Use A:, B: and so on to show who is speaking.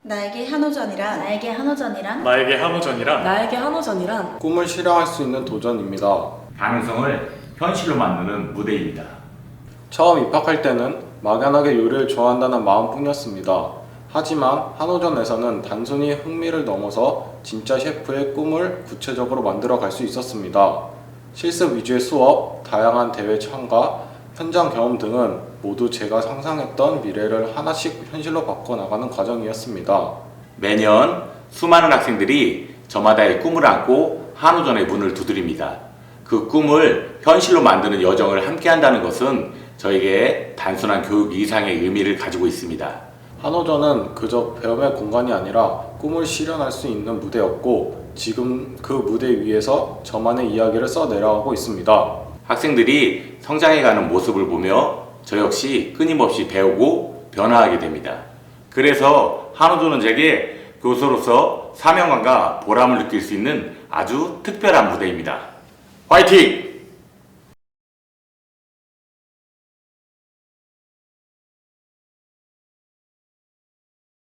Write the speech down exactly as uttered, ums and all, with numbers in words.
A: 나에게 한호전이란
B: 나에게 한호전이란
C: 나에게 한호전이란
D: 나에게 한호전이란
E: 꿈을 실현할 수 있는 도전입니다.
F: 가능성을 현실로 만드는 무대입니다.
E: 처음 입학할 때는 막연하게 요리를 좋아한다는 마음뿐이었습니다. 하지만 한호전에서는 단순히 흥미를 넘어서 진짜 셰프의 꿈을 구체적으로 만들어 갈 수 있었습니다. 실습 위주의 수업, 다양한 대회 참가, 현장 경험 등은 모두 제가 상상했던 미래를 하나씩 현실로 바꿔나가는 과정이었습니다.
F: 매년 수많은 학생들이 저마다의 꿈을 안고 한호전의 문을 두드립니다. 그 꿈을 현실로 만드는 여정을 함께 한다는 것은 저에게 단순한 교육 이상의 의미를 가지고 있습니다.
E: 한호전은 그저 배움의 공간이 아니라 꿈을 실현할 수 있는 무대였고, 지금 그 무대 위에서 저만의 이야기를 써 내려가고 있습니다.
F: 학생들이 성장해가는 모습을 보며 저 역시 끊임없이 배우고 변화하게 됩니다. 그래서 한호전은 제게 교수로서 사명감과 보람을 느낄 수 있는 아주 특별한 무대입니다. 화이팅!